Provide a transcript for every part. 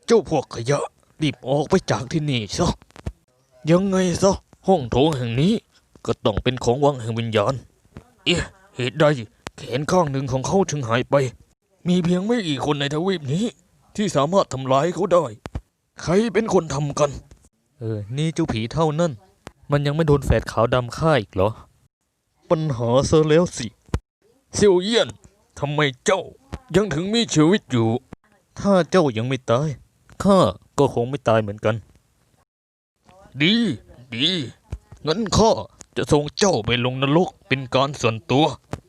เจ้าพวกขยะรีบออกไปจากที่นี่ซะยังไงซะห้องโถงแห่งนี้ก็ต้องเป็นของวังแห่งวิญญาณเหตุใดแขนข้างหนึ่งของเขาถึงหายไปมีเพียงไม่กี่คนในทวีปนี้ที่สามารถทำลายเขาได้ใครเป็นคนทำกันนี่เจ้าผีเท่านั้นมันยังไม่โดนแฝดขาวดำฆ่าอีกเหรอปัญหาเสียแล้วสิเซียวเยี่ยนทำไมเจ้ายังถึงมีชีวิตอยู่ถ้าเจ้ายังไม่ตายข้าก็คงไม่ตายเหมือนกันดีงั้นข้าจะส่งเจ้าไปลงนรกเป็นการส่วนตัว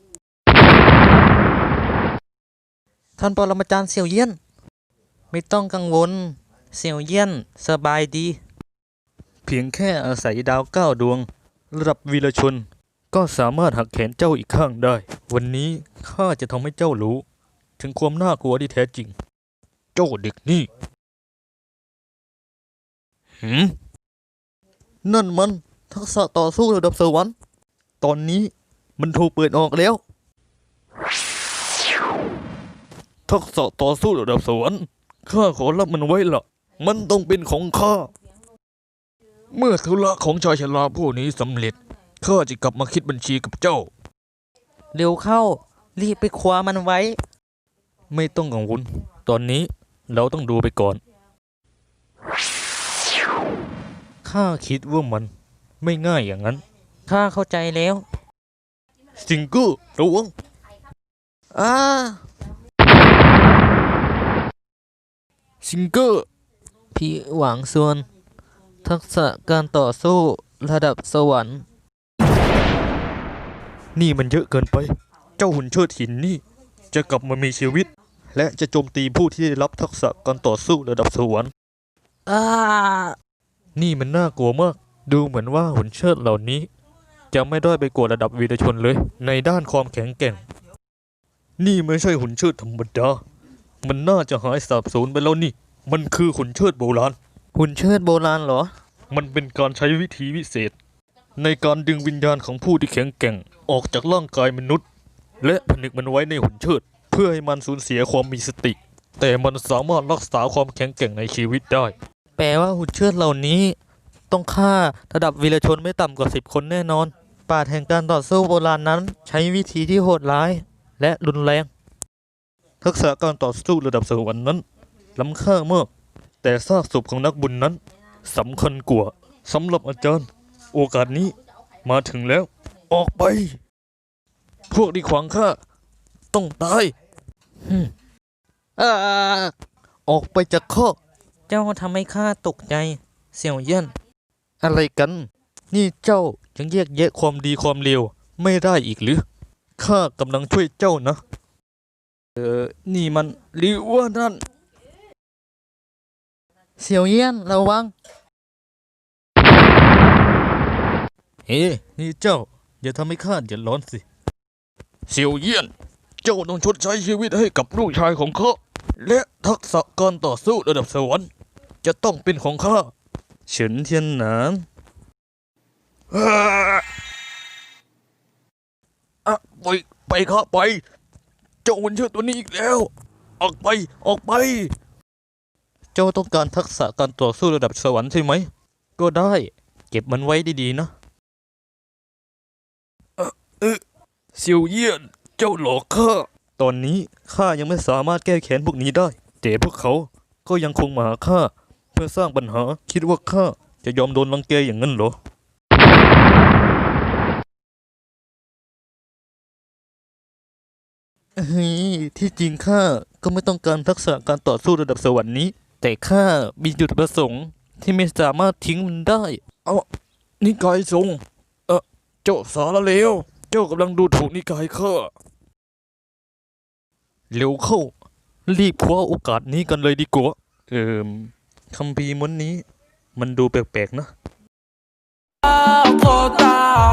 ท่านปรมาจารย์เสี่ยวเยี่ยนไม่ต้องกังวลเสี่ยวเยี่ยนสบายดีเพียงแค่อาศัยดาว9 ดวงระดับวีรชนก็สามารถหักแขนเจ้าอีกข้างได้วันนี้ข้าจะทำให้เจ้ารู้ถึงความน่ากลัวที่แท้จริงเจ้าเด็กนี่นั่นมันทักษะต่อสู้ระดับสวรรค์ตอนนี้มันถูกเปิดออกแล้วทักษะต่อสู้ระดับสวรรค์ข้าขอรับมันไว้ละมันต้องเป็นของข้าเมื่อธุระของชายชราผู้นี้สำเร็จข้าจะกลับมาคิดบัญชีกับเจ้าเร็วเข้ารีบไปคว้ามันไว้ไม่ต้องกังวลตอนนี้เราต้องดูไปก่อนข้าคิดว่ามันไม่ง่ายอย่างนั้นข้าเข้าใจแล้วสิงเกอร์ระวังสิงเกอร์พี่หวังส่วนทักษะการต่อสู้ระดับสวรรค์นี่มันเยอะเกินไปเจ้าหุ่นเชิดหินนี่จะกลับมามีชีวิตและจะโจมตีผู้ที่ได้รับทักษะการต่อสู้ระดับสวรรค์นี่มันน่ากลัวมากดูเหมือนว่าหุ่นเชิดเหล่านี้จะไม่ด้อยไปกว่าระดับวีรชนเลยในด้านความแข็งแกร่งนี่ไม่ใช่หุ่นเชิดธรรมดามันน่าจะหายสาบสูญไปแล้วนี่มันคือหุ่นเชิดโบราณหุ่นเชิดโบราณเหรอมันเป็นการใช้วิธีวิเศษในการดึงวิญญาณของผู้ที่แข็งแกร่งออกจากร่างกายมนุษย์และผนึกมันไว้ในหุ่นเชิดเพื่อให้มันสูญเสียความมีสติแต่มันสามารถรักษาความแข็งแกร่งในชีวิตได้แปลว่าหุ่นเชิดเหล่านี้ต้องฆ่าระดับวีรชนไม่ต่ำกว่า10 คนแน่นอนปราชญ์แห่งการต่อสู้โบราณนั้นใช้วิธีที่โหดร้ายและรุนแรงทักษะการต่อสู้ระดับสวรรค์นั้นล้ำค่ามากแต่ซากศพของนักบุญนั้นสำคัญกว่าสำหรับอาจารย์โอกาสนี้มาถึงแล้วออกไปพวกที่ขวางข้าต้องตายออกไปจากข้อเจ้าทำให้ข้าตกใจเสี่ยวเยี่ยนอะไรกันนี่เจ้ายังแยกแยะความดีความเลวไม่ได้อีกหรือข้ากำลังช่วยเจ้านะนี่มันหรือว่านั่นเสี่ยวเยี่ยนระวังนี่เจ้าอย่าทำให้ข้าเดือดร้อนสิเสี่ยวเยี่ยนเจ้าต้องชดใช้ชีวิตให้กับลูกชายของข้าและทักษะการต่อสู้ระดับสวรรค์จะต้องเป็นของข้าเฉินเทียนหนานไปข้าไปเจ้าหุ่นเชิดตัวนี้อีกแล้วออกไปเจ้าต้องการทักษะการต่อสู้ระดับสวรรค์ใช่ไหมก็ได้เก็บมันไว้ดีๆนะเซียวเยี่ยนเจ้าหลอกข้าตอนนี้ข้ายังไม่สามารถแก้แค้นพวกนี้ได้แต่พวกเขาก็ยังคงมาหาข้าเพื่อสร้างปัญหาคิดว่าข้าจะยอมโดนรังแกอย่างนั้นเหรอที่จริงข้าก็ไม่ต้องการทักษะการต่อสู้ระดับสวรรค์นี้แต่ข้ามีจุดประสงค์ที่ไม่สามารถทิ้งมันได้นิกายทรงเจ้าสารเลวเจ้ากำลังดูถูกนิกายข้าเร็วเข้ารีบคว้าโอกาสนี้กันเลยดีกว่าคัมภีร์ม้วนนี้มันดูแปลกๆนะ